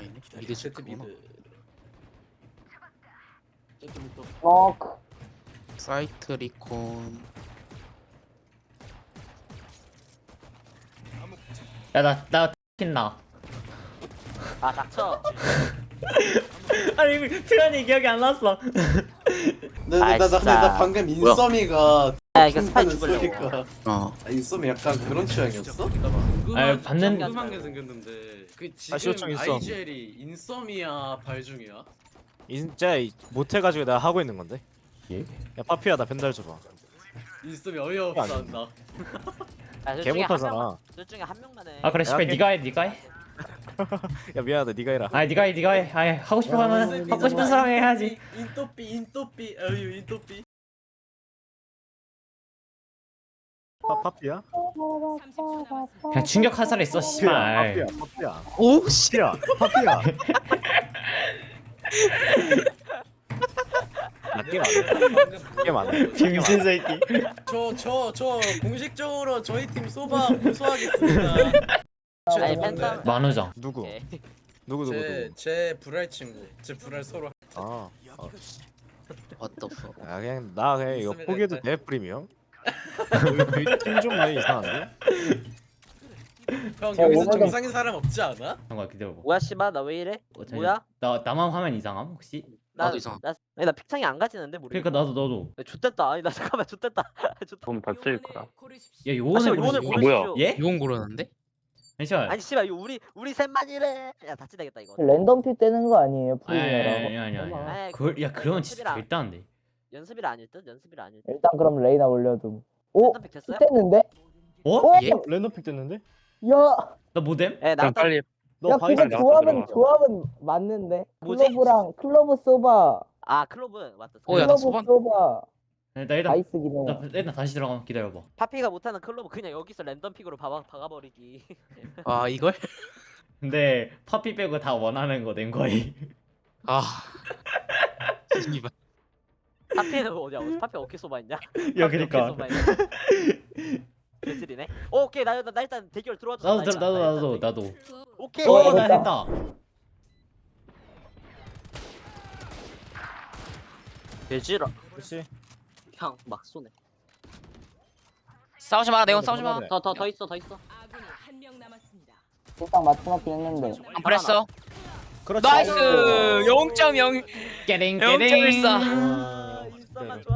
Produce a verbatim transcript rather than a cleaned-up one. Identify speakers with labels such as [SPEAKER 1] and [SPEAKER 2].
[SPEAKER 1] 아니네. 미드
[SPEAKER 2] 제트
[SPEAKER 1] 체크구나.
[SPEAKER 2] 미드. 제트 미드.
[SPEAKER 3] 럭.
[SPEAKER 1] 사이트 리콘.
[SPEAKER 4] 야나나 킨나.
[SPEAKER 5] 아 닥쳐.
[SPEAKER 4] 아니 표현이 기억이 안 났어.
[SPEAKER 2] 나나나 나, 나, 나, 나 방금 인썸이가
[SPEAKER 5] 야 이거 스파이
[SPEAKER 2] 하는
[SPEAKER 5] 죽으려고.
[SPEAKER 2] 소리가
[SPEAKER 1] 어.
[SPEAKER 2] 아, 인썸이 약간 그런 취향이었어?
[SPEAKER 4] 아니, 봤는-
[SPEAKER 2] 궁금한 게 생겼는데 그 지금
[SPEAKER 6] 시오청 인썸.
[SPEAKER 2] 아이지엘이 인썸이야 발중이야?
[SPEAKER 6] 진짜 못해가지고 내가 하고 있는 건데.
[SPEAKER 4] 예?
[SPEAKER 6] 야 파피야 나 벤달 줘봐.
[SPEAKER 2] 인썸이 어이없어 한다.
[SPEAKER 5] 야,
[SPEAKER 6] 개 못하잖아.
[SPEAKER 5] 둘 중에 한 명만 해.
[SPEAKER 4] 아 그래 씨발
[SPEAKER 6] 야,
[SPEAKER 4] 네가 해 네가 해.
[SPEAKER 6] 야 미안하다 네가 해라.
[SPEAKER 4] 아니 네가 해 네가 해. 아니 하고 싶어 하면 하고 싶은 사람 해야지.
[SPEAKER 2] 인또삐 인또삐 어유 인또삐.
[SPEAKER 6] 파, 파피야?
[SPEAKER 4] 그냥 충격 화살 있어 씨발.
[SPEAKER 6] 파피야 파피야.
[SPEAKER 1] 오 씨.
[SPEAKER 6] 파피야 파피야. 낮게 맞네. 낮게 맞네.
[SPEAKER 4] 빙신 새끼.
[SPEAKER 2] 저저 저 공식적으로 저희 팀 소바 고소하겠습니다.
[SPEAKER 5] 아니 팬텀.
[SPEAKER 4] 만우정.
[SPEAKER 6] 누구?
[SPEAKER 5] 오케이.
[SPEAKER 6] 누구 누구
[SPEAKER 2] 제
[SPEAKER 6] 누구?
[SPEAKER 2] 제 불알 친구, 제 불알 서로.
[SPEAKER 6] 아, 아,
[SPEAKER 1] What the fuck.
[SPEAKER 6] 야 그냥 나 그냥 이거
[SPEAKER 2] 있습니다,
[SPEAKER 6] 포기해도
[SPEAKER 2] 일단.
[SPEAKER 6] 돼 프리미엄? 팀좀 많이 이상한데?
[SPEAKER 2] 형
[SPEAKER 3] 어,
[SPEAKER 2] 여기서
[SPEAKER 3] 오늘도-
[SPEAKER 2] 정상인 사람 없지 않아?
[SPEAKER 4] 잠깐 기다려봐.
[SPEAKER 5] 뭐야 씨발 나 왜 이래?
[SPEAKER 4] 어, 잠시만.
[SPEAKER 5] 뭐야?
[SPEAKER 4] 나 나만 화면 이상함 혹시?
[SPEAKER 5] 나,
[SPEAKER 1] 나도 이상.
[SPEAKER 5] 나, 아니, 나 픽창이 안 가지는데 모르.
[SPEAKER 4] 그러니까 나도 나도.
[SPEAKER 5] 좋댔다. 아니 나 잠깐만 좋댔다. 좋다.
[SPEAKER 7] 그럼 다 쓸 거야.
[SPEAKER 4] 야
[SPEAKER 5] 아,
[SPEAKER 4] 요거는
[SPEAKER 5] 씨발, 요거는
[SPEAKER 4] 모르지.
[SPEAKER 7] 뭐야?
[SPEAKER 5] 고르십시오.
[SPEAKER 4] 예?
[SPEAKER 1] 이건 고르는데?
[SPEAKER 4] 잠시만.
[SPEAKER 5] 아니 씨발 이거 우리 우리 셋만이래. 야 다치 되겠다 이거.
[SPEAKER 3] 랜덤 픽 되는 거 아니에요?
[SPEAKER 4] 아니
[SPEAKER 3] 프리미어라고.
[SPEAKER 4] 아니 아니 아니.
[SPEAKER 5] 아이,
[SPEAKER 4] 아니. 그걸 야 그러면 진짜
[SPEAKER 5] 연습이라.
[SPEAKER 4] 절대 안 돼.
[SPEAKER 5] 연습이라 아닐 듯. 연습이라 아닐 듯.
[SPEAKER 3] 일단 그럼 레이나 올려둠. 오,
[SPEAKER 5] 랜덤 픽 됐어요?
[SPEAKER 3] 됐는데?
[SPEAKER 4] 어?
[SPEAKER 3] 오,
[SPEAKER 1] 예?
[SPEAKER 6] 랜덤 픽 됐는데?
[SPEAKER 3] 야,
[SPEAKER 4] 나 모뎀?
[SPEAKER 5] 예
[SPEAKER 7] 그럼
[SPEAKER 5] 나왔다.
[SPEAKER 7] 빨리
[SPEAKER 6] 너
[SPEAKER 3] 야,
[SPEAKER 6] 바이스
[SPEAKER 3] 그거
[SPEAKER 7] 나갔다
[SPEAKER 3] 조합은
[SPEAKER 7] 들어가서.
[SPEAKER 3] 조합은 맞는데.
[SPEAKER 5] 뭐지?
[SPEAKER 3] 클로브랑 클로브 소바,
[SPEAKER 5] 아 클로브 맞다.
[SPEAKER 1] 어, 야, 나
[SPEAKER 3] 클로브
[SPEAKER 1] 소반-
[SPEAKER 3] 소바,
[SPEAKER 4] 나 일단
[SPEAKER 3] 바이스긴
[SPEAKER 4] 나
[SPEAKER 3] 해.
[SPEAKER 4] 일단 다시 들어가면 기다려봐.
[SPEAKER 5] 파피가 못하는 클로브 그냥 여기서 랜덤 픽으로 박아 박아버리기.
[SPEAKER 1] 아 이걸?
[SPEAKER 4] 근데 파피 빼고 다 원하는 거 낸 거임.
[SPEAKER 1] 아. 씨발.
[SPEAKER 5] 파피는 어디야? 파피 어깨 소바 있냐?
[SPEAKER 4] 야 그니까.
[SPEAKER 5] 개질이네. 오, 오케이 나, 나, 나 일단 대결 들어와줘.
[SPEAKER 4] 나도 들어 나도 나도 나도.
[SPEAKER 5] 오케이.
[SPEAKER 3] 어,
[SPEAKER 4] 어나
[SPEAKER 3] 됐다.
[SPEAKER 4] 했다.
[SPEAKER 5] 개질아.
[SPEAKER 6] 그렇지.
[SPEAKER 5] 그냥 막 쏘네.
[SPEAKER 1] 싸우지 마 네온 싸우지 마.
[SPEAKER 5] 더 더 더 있어 더 있어.
[SPEAKER 8] 아군이 한 명 남았습니다.
[SPEAKER 3] 일단 맞춰놓긴 했는데.
[SPEAKER 1] 안 보냈어.
[SPEAKER 6] 그렇지.
[SPEAKER 1] 나이스. 영 점 영.
[SPEAKER 4] 깨링
[SPEAKER 1] 영 점
[SPEAKER 4] 깨링.
[SPEAKER 1] 일사.
[SPEAKER 5] 아, 인싸가 좋아.